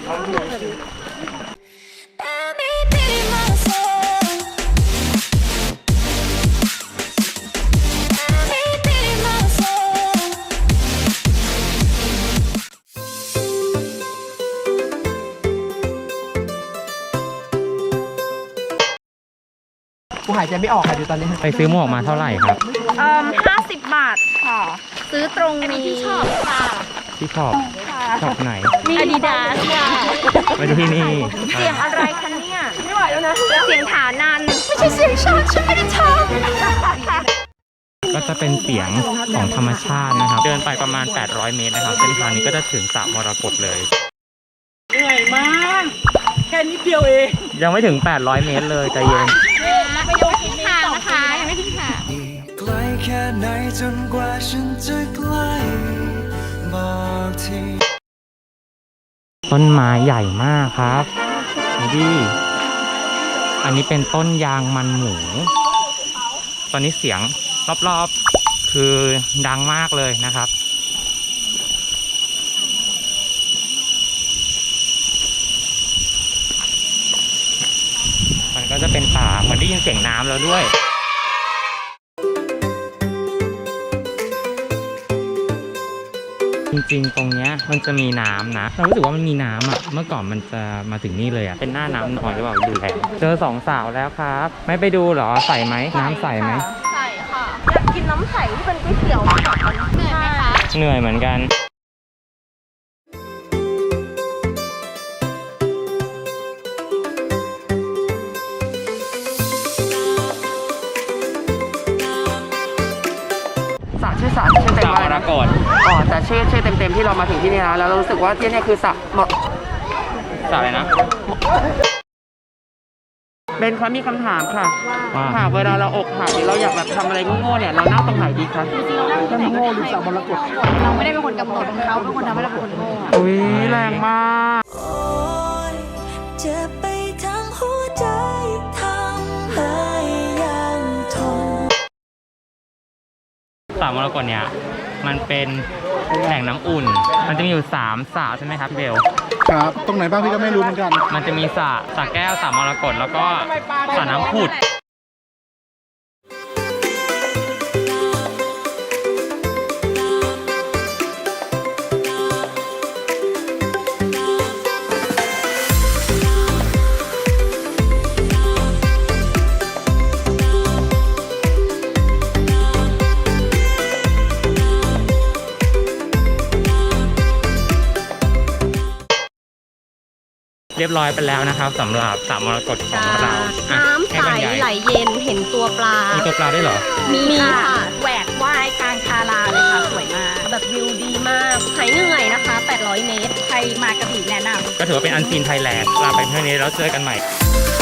กูหายใจไม่ออกค่ะอยู่ตอนนี้ไปซื้อหมวกมาเท่าไหร่ครับ 50 บาทค่ะซื้อตรงนี้ที่ชอบค่ะที่ช็อปไหนมีอาดิดาสค่ะไปดูที่นี่เสียงอะไรคะเนี่ยไม่ไหวแล้วนะเสียงฐานันไม่ใช่เสียงฉันไม่ได้ทก็จะเป็นเสียงของธรรมชาตินะครับเดินไปประมาณ800 เมตรนะครับเส้นทางนี้ก็จะถึงสระมรกตเลยเหนื่อยมากแค่นิดเดียวเองยังไม่ถึง800 เมตรเลยใจเย็นไปดูทิศทางนะคะยังไม่ถึงทางไกลแค่ไหนจนกว่าฉันจะใกล้บอกทีต้นไม้ใหญ่มากครับดูดิอันนี้เป็นต้นยางมันหมูตอนนี้เสียงรอบๆคือดังมากเลยนะครับมันก็จะเป็นป่าเหมือนได้ยินเสียงน้ำแล้วด้วยจริงๆตรงเนี้ยมันจะมีน้ำนะเรารู้สึกว่ามันมีน้ำอ่ะเมื่อก่อนมันจะมาถึงนี่เลยอ่ะเป็นหน้าน้ำหอยหรือเปล่าดูแลเจอ2 สาวแล้วครับไม่ไปดูเหรอใส่ไหมน้ำใส่ไหมใส่ค่ะอยากกินน้ำใสที่เป็นก๋วยเตี๋ยวเหนื่อยไหมคะเหนื่อยเหมือนกันชื่อสระเต็มว่าอะไรนะแต่ชื่อเต็มที่เรามาถึงที่นี่แล้วเรารู้สึกว่าที่นี่คือสระอะไรนะเบนคะมีคำถามค่ะหากเวลาเราอกหักหรือเราอยากแบบทำอะไรโง่ๆเนี่ยเรานั่งตรงไหนดีคะนั่งโง่หรือสระมรกตเราไม่ได้เป็นคนกำหนดเขาเป็นคนทำให้เราเป็นคนโง่อุ้ยแรงมากเจ็บไปทั้งหัวใจทำให้ยังทนสระมรกตเนี่ยมันเป็นแหล่งน้ำอุ่นมันจะมีอยู่3 สระใช่ไหมครับเบลครับตรงไหนบ้างพี่ก็ไม่รู้เหมือนกันมันจะมีสระแก้วสระมรกตแล้วก็สระน้ำผุดเรียบร้อยไปแล้วนะครับสำหรับสระมรกตของเราน้ำใสไหลเย็นเห็นตัวปลามีตัวปลาได้เหรอมีค่ะแหวกว่ายกลางคาราเลยค่ะสวยมากแบบวิวดีมากหายเหนื่อยนะคะ800 เมตรใครมากระบี่แนะนำก็ถือว่าเป็นอันซีนไทยแลนด์ลาไปเท่านี้แล้วเจอกันใหม่